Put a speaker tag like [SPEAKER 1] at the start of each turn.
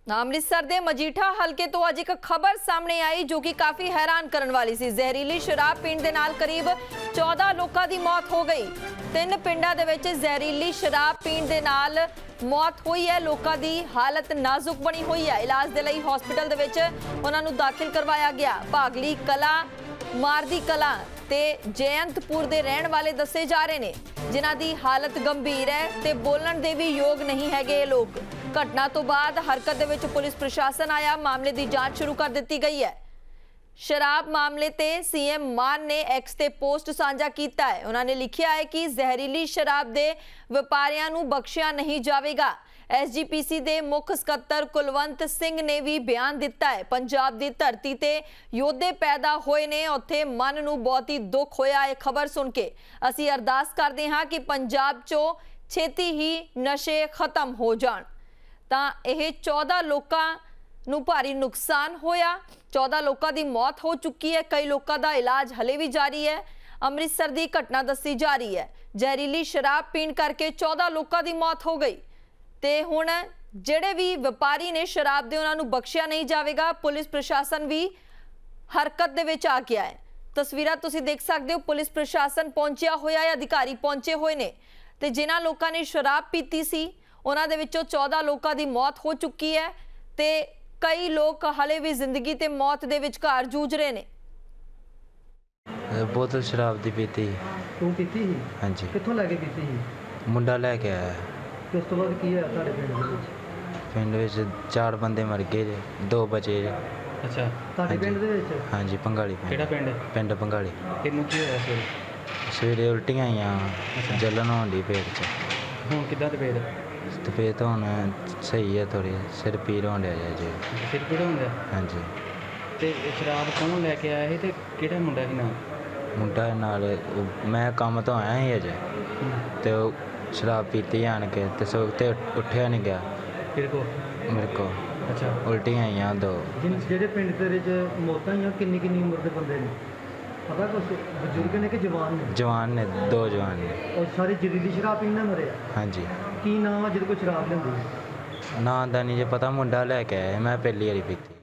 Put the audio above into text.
[SPEAKER 1] ਅੰਮ੍ਰਿਤਸਰ ਦੇ ਮਜੀਠਾ ਹਲਕੇ ਤੋਂ ਅੱਜ ਇੱਕ ਖਬਰ ਸਾਹਮਣੇ ਆਈ ਜੋ ਕਿ ਕਾਫੀ ਹੈਰਾਨ ਕਰਨ ਵਾਲੀ ਸੀ। ਜ਼ਹਿਰੀਲੀ ਸ਼ਰਾਬ ਪੀਣ ਦੇ ਨਾਲ ਕਰੀਬ 14 ਲੋਕਾਂ ਦੀ ਮੌਤ ਹੋ ਗਈ। 3 ਪਿੰਡਾਂ ਦੇ ਵਿੱਚ ਜ਼ਹਿਰੀਲੀ ਸ਼ਰਾਬ ਪੀਣ ਦੇ ਨਾਲ ਮੌਤ ਹੋਈ ਹੈ। ਲੋਕਾਂ ਦੀ ਹਾਲਤ ਨਾਜ਼ੁਕ ਬਣੀ ਹੋਈ ਹੈ। ਇਲਾਜ ਦੇ ਲਈ ਹਸਪੀਟਲ ਦੇ ਵਿੱਚ ਉਹਨਾਂ ਨੂੰ ਦਾਖਲ ਕਰਵਾਇਆ ਗਿਆ। ਭਾਗਲੀ ਕਲਾ, ਮਾਰਦੀ ਕਲਾ ਤੇ ਜੈਂਤਪੁਰ ਦੇ ਰਹਿਣ ਵਾਲੇ ਦੱਸੇ ਜਾ ਰਹੇ ਨੇ, ਜਿਨ੍ਹਾਂ ਦੀ ਹਾਲਤ ਗੰਭੀਰ ਹੈ ਤੇ ਬੋਲਣ ਦੇ ਵੀ ਯੋਗ ਨਹੀਂ ਹੈਗੇ ਇਹ ਲੋਕ। ਘਟਨਾ ਤੋਂ ਬਾਅਦ ਹਰਕਤ ਦੇ ਵਿੱਚ ਪੁਲਿਸ ਪ੍ਰਸ਼ਾਸਨ ਆਇਆ। ਮਾਮਲੇ ਦੀ ਜਾਂਚ ਸ਼ੁਰੂ ਕਰ ਦਿੱਤੀ ਗਈ ਹੈ। ਸ਼ਰਾਬ ਮਾਮਲੇ ਤੇ ਸੀਐਮ ਮਾਨ ਨੇ ਐਕਸ ਤੇ ਪੋਸਟ ਸਾਂਝਾ ਕੀਤਾ ਹੈ। ਉਹਨਾਂ ਨੇ ਲਿਖਿਆ ਹੈ ਕਿ ਜ਼ਹਿਰੀਲੀ ਸ਼ਰਾਬ ਦੇ ਵਪਾਰੀਆਂ ਨੂੰ ਬਖਸ਼ਿਆ ਨਹੀਂ ਜਾਵੇਗਾ। ਐਸਜੀਪੀਸੀ ਦੇ ਮੁੱਖ ਸਕੱਤਰ ਕੁਲਵੰਤ ਸਿੰਘ ਨੇ ਵੀ ਬਿਆਨ ਦਿੱਤਾ ਹੈ। ਪੰਜਾਬ ਦੀ ਧਰਤੀ ਤੇ ਯੋਧੇ ਪੈਦਾ ਹੋਏ ਨੇ, ਉੱਥੇ ਮਨ ਨੂੰ ਬਹੁਤ ਹੀ ਦੁੱਖ ਹੋਇਆ ਇਹ ਖਬਰ ਸੁਣ ਕੇ। ਅਸੀਂ ਅਰਦਾਸ ਕਰਦੇ ਹਾਂ ਕਿ ਪੰਜਾਬ 'ਚੋਂ ਛੇਤੀ ਹੀ ਨਸ਼ੇ ਖਤਮ ਹੋ ਜਾਣ। ਤਾਂ ਇਹ 14 ਲੋਕਾਂ ਨੂੰ ਭਾਰੀ ਨੁਕਸਾਨ ਹੋਇਆ। 14 ਲੋਕਾਂ ਦੀ ਮੌਤ ਹੋ ਚੁੱਕੀ ਹੈ। ਕਈ ਲੋਕਾਂ ਦਾ ਇਲਾਜ ਹਲੇ ਵੀ ਜਾਰੀ ਹੈ। ਅੰਮ੍ਰਿਤਸਰ ਦੀ ਘਟਨਾ ਦੱਸੀ ਜਾ ਰਹੀ ਹੈ। ਜ਼ਹਿਰੀਲੀ ਸ਼ਰਾਬ ਪੀਣ ਕਰਕੇ 14 ਲੋਕਾਂ ਦੀ ਮੌਤ ਹੋ ਗਈ ਤੇ ਹੁਣ ਜਿਹੜੇ ਵੀ ਵਪਾਰੀ ਨੇ ਸ਼ਰਾਬ ਦੇ, ਉਹਨਾਂ ਨੂੰ ਬਖਸ਼ਿਆ ਨਹੀਂ ਜਾਵੇਗਾ। ਪੁਲਿਸ ਪ੍ਰਸ਼ਾਸਨ ਵੀ ਹਰਕਤ ਦੇ ਵਿੱਚ ਆ ਗਿਆ ਹੈ। ਤਸਵੀਰਾਂ ਤੁਸੀਂ ਦੇਖ ਸਕਦੇ ਹੋ। ਪੁਲਿਸ ਪ੍ਰਸ਼ਾਸਨ ਪਹੁੰਚਿਆ ਹੋਇਆ ਹੈ, ਅਧਿਕਾਰੀ ਪਹੁੰਚੇ ਹੋਏ ਨੇ ਤੇ ਜਿਨ੍ਹਾਂ ਲੋਕਾਂ ਨੇ ਸ਼ਰਾਬ ਪੀਤੀ ਸੀ ਉਹਨਾਂ ਦੇ ਵਿੱਚੋਂ 14 ਲੋਕਾਂ ਦੀ ਮੌਤ ਹੋ ਚੁੱਕੀ ਹੈ ਤੇ ਕਈ ਲੋਕ ਹਲੇ ਵੀ ਜ਼ਿੰਦਗੀ ਤੇ ਮੌਤ ਦੇ ਵਿਚਕਾਰ ਜੂਝ ਰਹੇ ਨੇ।
[SPEAKER 2] बोतल शराब दी पीती।
[SPEAKER 3] ਤੂੰ ਪੀਤੀ ਸੀ?
[SPEAKER 2] हाँ जी।
[SPEAKER 3] ਕਿੱਥੋਂ ਲੈ ਕੇ ਪੀਤੀ ਸੀ?
[SPEAKER 2] मुंडा लैके आया।
[SPEAKER 3] ਤੇ ਉਸ ਤੋਂ ਬਾਅਦ ਕੀ ਹੋਇਆ ਤੁਹਾਡੇ ਪਿੰਡ ਦੇ ਵਿੱਚ?
[SPEAKER 2] पिंड विच 4 बंदे मर गए जे, 2 बचे जे।
[SPEAKER 4] ਅੱਛਾ,
[SPEAKER 3] ਤੁਹਾਡੇ ਪਿੰਡ ਦੇ ਵਿੱਚ?
[SPEAKER 2] हाँ जी, भंगाली
[SPEAKER 4] ਕਿਹੜਾ ਪਿੰਡ?
[SPEAKER 2] पिंड भंगाली।
[SPEAKER 4] ਤੈਨੂੰ ਕੀ ਹੋਇਆ ਸਵੇਰੇ?
[SPEAKER 2] सवेरे उल्टियां आईयां, जलन होन डी पेट च।
[SPEAKER 4] ਹੁਣ ਕਿੱਦਾਂ ਤੇ ਫੇਰ
[SPEAKER 2] ते पेट तो हुण सही है थोड़ी, सिर पीड़ होन डिया जे।
[SPEAKER 4] ਸਿਰ ਪੀੜ ਹੁੰਦਾ?
[SPEAKER 2] हाँ जी।
[SPEAKER 4] ਤੇ ਸ਼ਰਾਬ ਕੌਣ ਲੈ ਕੇ ਆਇਆ ਸੀ ਤੇ ਕਿਹੜਾ ਮੁੰਡਾ ਸੀ ਨਾਲ?
[SPEAKER 2] मुंडा नाल मैं काम तो आया ही अजे ते शराब पीती आन के ते ते उठिया नहीं गया
[SPEAKER 4] ਤੇਰੇ ਕੋ?
[SPEAKER 2] मेरे को।
[SPEAKER 4] ਅੱਛਾ,
[SPEAKER 2] उल्टियां आईयां 2।
[SPEAKER 3] ਜਿਹੜੇ ਪਿੰਡ ਦੇ ਵਿੱਚ ਮੌਤਾਂ ਹੋਈਆਂ ਕਿੰਨੀ ਕਿੰਨੀ ਉਮਰ ਦੇ ਬੰਦੇ ਨੇ ਪਤਾ? ਕੁਛ ਬਜ਼ੁਰਗ ਨੇ ਕਿ ਜਵਾਨ ਨੇ?
[SPEAKER 2] जवान ने 2 जवान ने।
[SPEAKER 3] ਉਹ ਸਾਰੇ ਜ਼ਹਿਰੀਲੀ ਸ਼ਰਾਬ ਪੀਣ ਨਾਲ ਮਰੇ ਆ?
[SPEAKER 2] हाँ जी।
[SPEAKER 3] ਕੀ ਨਾਮ ਆ ਜਿਹਦੇ ਕੋਲ ਸ਼ਰਾਬ ਲੈਂਦੀ?
[SPEAKER 2] ना दा नहीं जे पता, मुंडा लैके आया, मैं पहली बारी पीती।